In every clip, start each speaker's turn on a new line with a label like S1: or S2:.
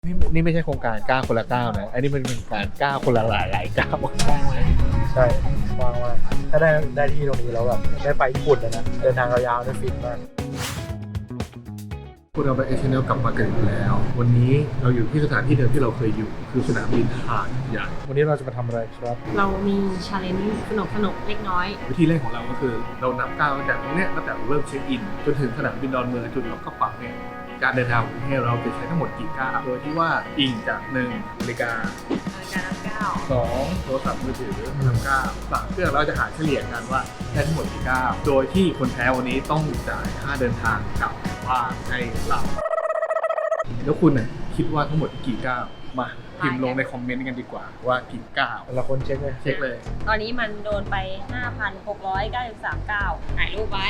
S1: นี่ไม่ใช่โครงการก้าวคนละก้าวนะอันนี้มันเป็นการก้าวคนละหลายก้าว
S2: ใช่ว่างมากถ้าได้ที่ตรงนี้แล้วแบบได้ไปญี่ปุ่นเลยนะเดินทางยาวๆได้ฟินมาก
S1: พวกเราไปเอเชียนกลับมากันอีกแล้ว วันนี้เราอยู่ที่สถานที่เดิมที่เราเคยอยู่ คือสนามบินหาดใหญ่
S2: วันนี้เราจะมาทำอะไรครับ
S3: เรามีชาเลนจ์สนุกเล็กน้อย
S1: วิธีแรกของเราก็คือเรานับก้าวตั้งแต่ตรงเนี้ยตั้งแต่เราเริ่มเช็คอินจนถึงสนามบินดอนเมืองจุดล็อกกระเป๋าเนี่ยการเดินทางของประเทศเราจะใช้ทั้งหมดกี่ก้าวโดยที่ว่าอิงจาก1นาฬิกา
S3: การนับก้าว
S1: 2โทรศัพท์มือถือนับก้าว3เพื่อเราจะหาเฉลี่ยกันว่าได้ทั้งหมดกี่ก้าวโดยที่คนแพ้วันนี้ต้องจ่ายค่าเดินทางกลับบ้านให้เราแล้วคุณน่ะคิดว่าทั้งหมดกี่ก้าวมาพิมพ์ลงในคอมเมนต์กันดีกว่าว่ากี่ก้าว
S2: แต่ละคนเช็คเลย
S1: เช็คเลย
S3: ตอนนี้มันโดนไป 5,693 ก้าวถ่ายรูปไว้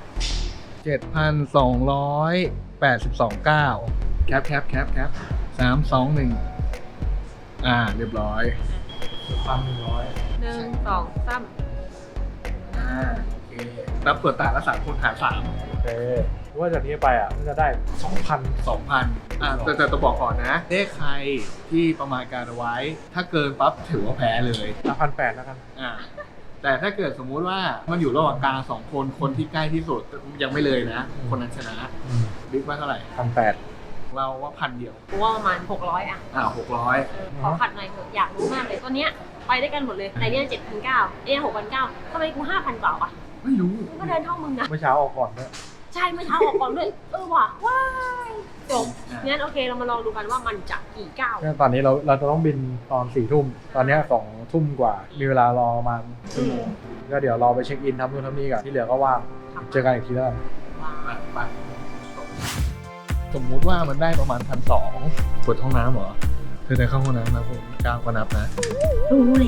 S1: 7,282 ก้าวแคป3 2 1เรียบร้อย
S2: 1,100
S3: 1 2 3
S1: โอเคนับเปิดตาละ3คนหาร3
S2: โอเคว่าจากนี้ไปอ่ะน่าจะได้ 2,000
S1: แต่ต้องบอกก่อนนะใครที่ประมาณการเอาไว้ ถ้าเกินปั๊บถือว่าแพ้เลย
S2: 1,800แล้วกัน
S1: แต่ถ้าเกิดสมมุติว่ามันอยู่ระหว่างกลาง2คนคนที่ใกล้ที่สุดยังไม่เลยนะ คนนั้นชนะบิ๊กว่าเท่าไหร่
S2: 1,800
S1: เราว่า1,000 เดียว
S3: กูว่าประมาณ 600 อ่ะ
S1: 600
S3: ขอขัดหน่อยเถอะอยากรู้มากเลยตัวเนี้ยไปได้กันหมดเลยแต่เนี่ย 7,900เนี่ย 6,900ทำไมกู 5,000 กว่าอ่ะ
S1: ไม่รู้
S3: กูก็เดินเท่ามึงนะ
S2: เมื่อเช้าออกก่อนด้วย
S3: ใช่เมื่อเช้าออกก่อนด้วยว่ะว้ายจบงั้นโอเคเรามาลองดูกันว่ามันจะกี่ก้าว
S2: ตอนนี้เราจะต้องบินตอน 4 ทุ่ม ตอนนี้ 2 ทุ่มกว่า มีเวลารอประมาณชั่วโมงก็เดี๋ยวรอไปเช็คอินทำนู่นทำนี่ก่อนที่เหลือก็ว่างเจอกันอีกทีแล้วกัน
S1: ไปสมมุติว่ามันได้ประมาณ1,200ปวดห้องน้ำเหรอเธอเดินเข้าห้องน้ำนะผมก้าวก็นับนะ
S3: รู้เลย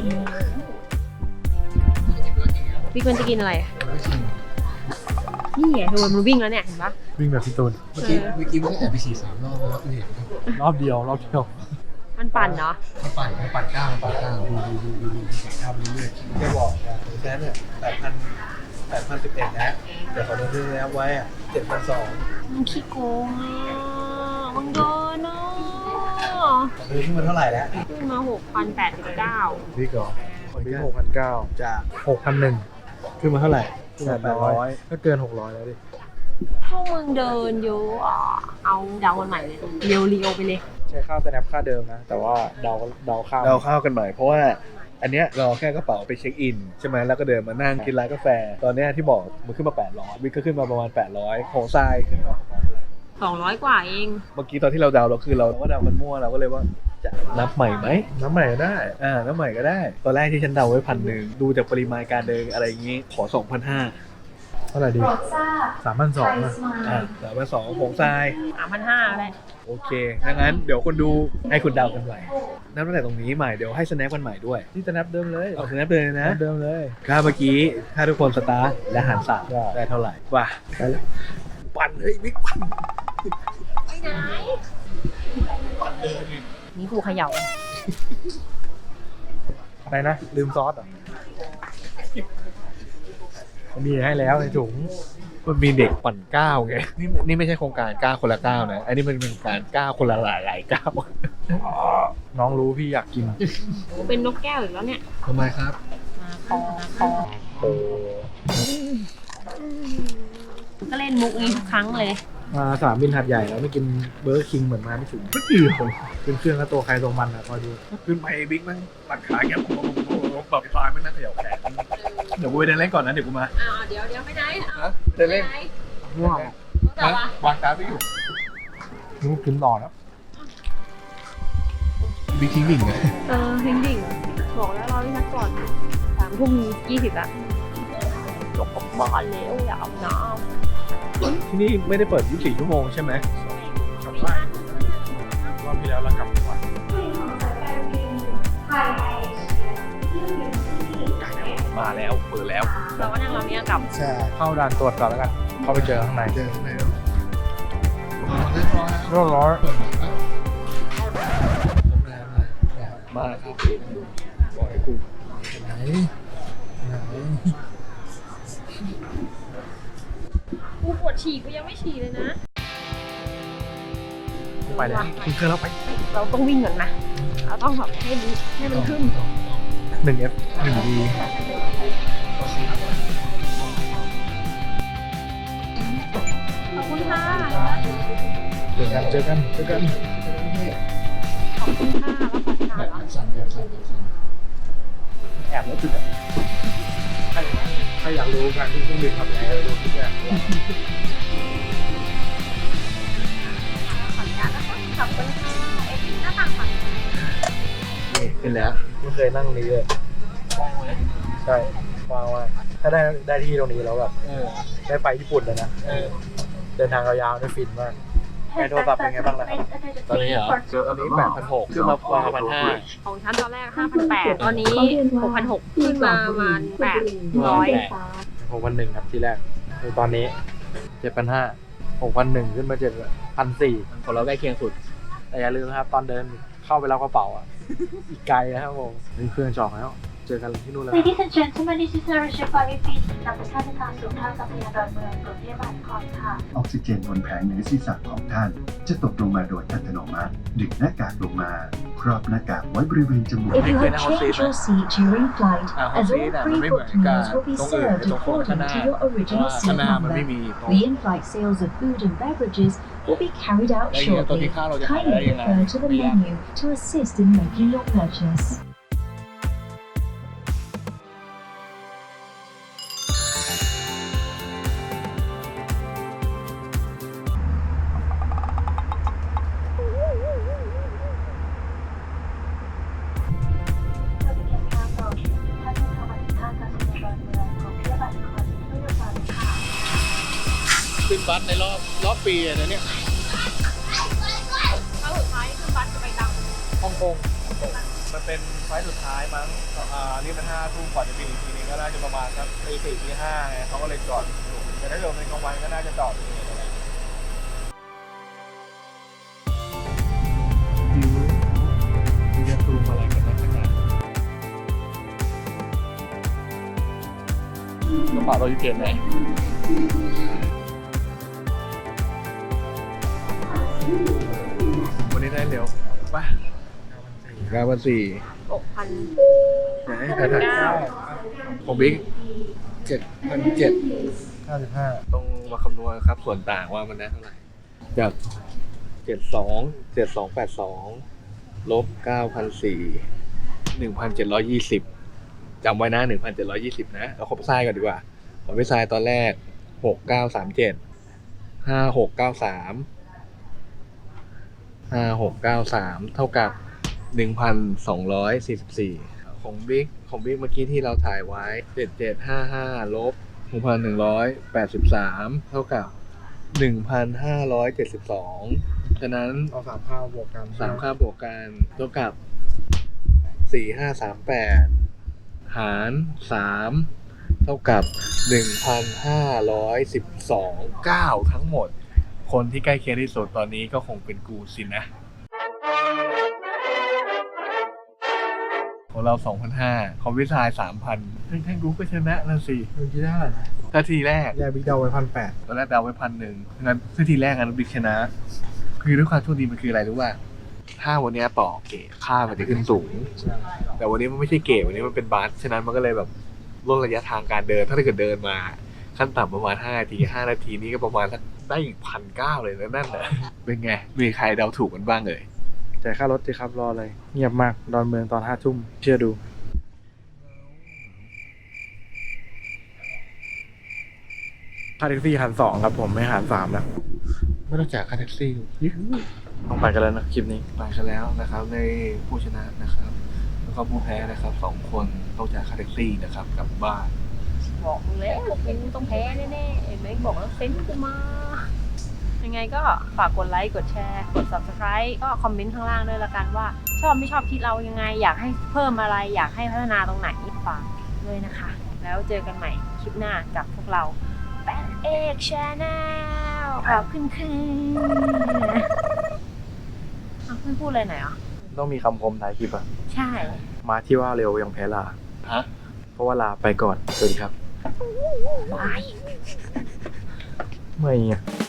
S3: พี่ควรจะกินอะไรนี่ไงคือมันวิ่งแล้วเนี่ยเห็นปะ
S2: วิ่งแบบพี่ตูน
S1: เมื่อกี้ไม่ได้แอบไปฉี่3 รอบแล้วเห็น
S2: รอบเดียว
S3: มันปั่นเนาะ
S1: มันปั่นก้าวดูก้าวไปเรื่อย
S2: แกบอกแซนเนี่ย8,011แล้วเดี๋ยวเขาเดินแล้วไว้อ่ะ7,200
S3: มันขี้โกงอ่ะมันโดนเนาะ
S2: เดินขึ้นมาเท่าไหร่แล้ว
S3: ขึ้นมา 6,089
S2: พี่ก่อนพี่6,900จาก6,100ขึ้นมาเท่าไหร่ขึ้นมา800ก็เกิน600แล้วดิ
S3: พวกมึงเดินเยอะอ่ะเอาเดากันใหม่เลยเรียวไปเลย
S2: ใช้ค่าสแนปค่าเดิมนะ แต่ว่าเดาข้าว
S1: เราเข้ากันใหม่เพราะว่าอันเนี้ยเราแค่กระเป๋าไปเช็คอินใช่ไหมแล้วก็เดินมานั่งกินร้านกาแฟตอนเนี้ยที่บอกมันขึ้นมา800วิกก็ขึ้นมาประมาณ800ของทรายขึ้นมา
S3: 200 กว่าเอง
S1: เมื่อกี้ตอนที่เราเดาเราคือเราก็เดากันมั่วเราก็เลยว่าจะนับใหม่ไหม
S2: น้ำใหม่ก็ได้
S1: นับใหม่ก็ได้ ตอนแรกที่ฉันเดาไว้1,000ดูจากปริมาณการเดินอะไรอย่างงี้ขอ 2,500
S2: เท่าไหร่ดี3,200นะ
S1: 3,200ของทราย
S3: 3,500อะไร
S1: โอเคดังนั้นเดี๋ยวคนดูให้คุณเดากันใหม่นับตั้งแต่ตรงนี้ใหม่เดี๋ยวให้สแนปกันใหม่ด้วย
S2: นี่สแนปเดิมเลย
S1: เอาสแนปเลยนะ
S2: เดิมเลย
S1: ถ้าเมื่อกี้ถ้าทุกคนสตาร์ทและหารสาม
S2: ได้
S1: ได้เท่าไหร่ว่ะ
S2: ไปแล้ว
S1: ปั่นเฮ้ยบิ๊กปั่น
S3: ไปไหนนี่กูเขย่า
S2: อะไรนะลืมซอสเหรอมีให้แล้วในถุง
S1: มันมีเด็กปั่นก้าวไงนี่ไม่ใช่โครงการก้าวคนละก้าวนะอันนี้มันเป็นการก้าวคนละหลายก้าว
S2: น้องรู้พี่อยากกิน
S3: กูเป็นนกแก้วอีกแล้วเนี่ย
S1: ทำไมครับ
S3: มาคอ
S2: โอ้
S3: ก็เล่นมุกนี้ทุกครั้งเลย
S2: มาสนามบินหัดใหญ่แล้วไม่กินเบอร์คิงเหมือนมาไม่ถึง
S1: ไม่กี่คน
S2: ขึ้นเครื่องก็ตัวใครตัวมันอ่ะคอยดู
S1: ขึ้นไปบิ๊กมันปั่นขาแกปรับปลายมันนั่งเขย่าแขนเดี๋ยวกูไปเดินเล่นก่อนนะเดี๋ยวกูมา
S3: เดี๋ยวไปไหน
S1: เดินเล่น
S2: ง่วง
S3: แต่ว่าว
S1: างการ์ดไปอยู่
S2: นึกกินต่อแล้ว
S1: บิ๊กทิ้งดิ่งไง
S3: ดิ่งบอกแล้วรอพี่นัดก่อน3:20ละจบกับบ้านแล้วอยากอาบน้
S1: ที่นี่ไม่ได้เปิด24 ชั่วโมงใช่ไหม
S2: กลับบ้านรอบที่แล้วเรากลับก่อน
S1: มาแล้วเปิดแล้ว
S3: ำเราก็นั่งรอเนี่ยกลับ
S2: ใช่เข้าด่านตรวจก่อนแล้วกันเข้าไปเจอข้างใน
S1: เจอข้างในแล้วเรียบร้อย
S2: เรียบร้อย
S1: เปิดมาครับบอกให้กู
S2: ไหน
S3: กูปวดฉี่กูยังไม่ฉี่เลยนะ
S2: รไปเลยคุณเคยแล้วไป
S3: เราต้องวิ่งก่อนนะเราต้องแบบให้มันขึ้น
S2: 1F 1D
S3: ขอบคุณค่ะ
S2: เจอกัน
S3: ขอบคุณค่ะแล้วขอทานเหรอ
S2: แอบแล้วจุดใครอยากรู้การที่เครื่องบินทำยังไงดูทุกอย่าง
S3: ขออนุญาตนะคะขอบคุณค่ะหน้าต่างฝั่ง
S2: นี่ขึ้นแล้วไม่เคยนั่งนี้เลยใช่ว้าวมากถ้าได้ที่ตรงนี้แล้วแบบได้ไปญี่ปุ่นเลยนะเดินทางยาวๆได้ฟินมากไอโทรศัพท์เป็นไงบ้างนะครับ
S1: ตอนนี้เหรอตอนนี้8,600ขึ้นมา5,500
S3: ของฉันตอนแรก 5,800 ตอนนี้ 6,600 ขึ้นมาประมาณ800
S2: 6,100 ครับที่แรกคือตอนนี้ 7,500 6,100 ขึ้นมา 7,400
S1: ของเราใกล้เคียงสุด
S2: แต่อย่าลืมนะครับตอนเดินเข้าไปรับกระเป๋าอ่ะ อีกไกลนะครับผมนี่เครื่องจองแล้ว เจอกันที่นู่นแล้ว
S4: Ladies and gentlemen, this is a Russia Flight Feed นำท่านทางสู่ท่ากัพยาดอนเมืองกรุงเทพมหานครค่ะ
S5: ออกซิเจนบนแผงเหนือศีรษะของท่าน จะตกลงมาโดยอัตโนมัติ ดึงหน้ากากลงมา ครอบหน้ากากไว้บริเวณจมูก
S4: If you have changed your seat during flight,
S1: ห้อง
S4: as
S1: ซี
S4: all
S1: ทมันไม่เหมือน
S4: pre-booked
S1: กับ
S4: meals will be
S1: ตรงอื่น
S4: served
S1: ตรงข้างห
S4: according
S1: น้า
S4: to your original
S1: ข้าง
S4: seat
S1: หน้ามันไม่
S4: number.
S1: มีตรง
S4: The in-flight sales of food and beverages will be carried out
S1: แล้วอย่างเงี้ยตอนที่
S4: shortly.
S1: ข้าวเราจะหาได้
S4: Kindly
S1: ยังไง
S4: refer to the
S1: ไม่ยาก
S4: menu to assist in making your purchase.
S1: ขึ้นบัสในรอบปีอะนะเนี่ย
S3: แล้วสุดท้ายขึ้นบัสจะไปตัง
S1: ฮ่องกงมันเป็นไฟล์สุดท้ายมั้งนี่มัน5 ทุ่มก่อนจะบินอีกทีนึงก็น่าจะประมาณสักตี 4 ตี 5ไงเขาก็เลยจอดอยู่แต่ถ้าเกิดเป็นกลางวันก็น่าจะจอดอยู่นี่อะไรจะซูมอะไรกันนักหนากระเป๋าเราอยู่เกณฑ์ไหนวันนี้ได้เร็วป่ะ9,400
S3: 6,000
S1: ไหนของบิ๊ก7,700
S2: 55
S1: ต้องมาคำนวณครับส่วนต่างว่ามันได้เท่าไหร่จาก72,82 ลบ 9,400 1,720 จำไว้นะ 1,720 นะเราครบทรายก่อนดีกว่าผมไปทรายตอนแรก 6,937 5,693 5,693 เท่ากับ 1,244 ของบิ๊กเมื่อกี้ที่เราถ่ายไว้ 7755 ลบ 6,183 เท่ากับ 1,572 ฉะนั้น
S2: เอา3ข้าวบวกกัน
S1: 3 ค่าบวกกันเท่ากับ 4,538 หาร 3 เท่ากับ 1,512 9 ทั้งหมด คนที่ใกล้เคียงที่สุดตอนนี้ก็คงเป็นกูสินะ ของเรา 2,500 ของวิทาย 3,000แท่งกูก็ชนะนั่นสิ
S2: เมื่อกี้ได้เท่าไหร่นะ
S1: ถ้าทีแรก
S2: แยกบิ๊กเดาไว้1,800
S1: ตอนแรกเดาไว้1,100งั้นถ้าทีแรกงั้นบิ๊กชนะ คือด้วยความโชคดีมันคืออะไรรู้ป่ะถ้าวันนี้ต่อเกรดค่ามันจะขึ้นสูง
S2: ใช่
S1: แต่วันนี้มันไม่ใช่เกรดวันนี้มันเป็นบัสฉะนั้นมันก็เลยแบบลดระยะทางการเดิน ถ้าเกิดเดินมาขั้นต่ำประมาณ5 นาที 5 นาทีนี้ก็ประมาณสักได้อีก 1,900 เลยนะนั่นน่ะเป็นไงมีใครเดาถูกกันบ้างเลย
S2: จ่ายค่ารถสิครับรอเลย เงียบมากดอนเมืองตอน5 ทุ่มเชื่อดูค่าแท็กซี่หัน2ครับผมไม่หัน3แล้ว
S1: ไม่ต้องจ่ายค่าแท็กซี่
S2: ต้องไปกันแล้วนะคลิปนี้
S1: ไปกันแล้วนะครับในผู้ชนะนะครับแล้วก็ผู้แพ้นะครับ2 คนต้องจ่ายค่าแท็กซี่นะครับกลับบ้าน
S3: บอกมึงแล้วเป็นต้องแพ้แน่ๆเห็นไหมบอกแล้วเซ็นกูมา ยังไงก็ฝากกดไลค์กดแชร์กด subscribe ก็คอมเมนต์ข้างล่างด้วยละกันว่า ชอบไม่ชอบคิดเรายังไง อยากให้เพิ่มอะไรอยากให้พัฒนาตรงไหนฝากด้วยนะคะ แล้วเจอกันใหม่คลิปหน้ากับพวกเราแปนเอกชาแนลขอบคุณค่ะเพื่อนพูดอะไรหน่อยอ่ะ
S2: ต้องมีคำคมท้ายคลิปอะ
S3: ใช่
S2: มาที่ว่าเร็วยังแพ้ลา
S1: ฮะ
S2: เพราะว่าลาไปก่อนสวัสดีครับ
S3: บาย
S2: ไม่อะ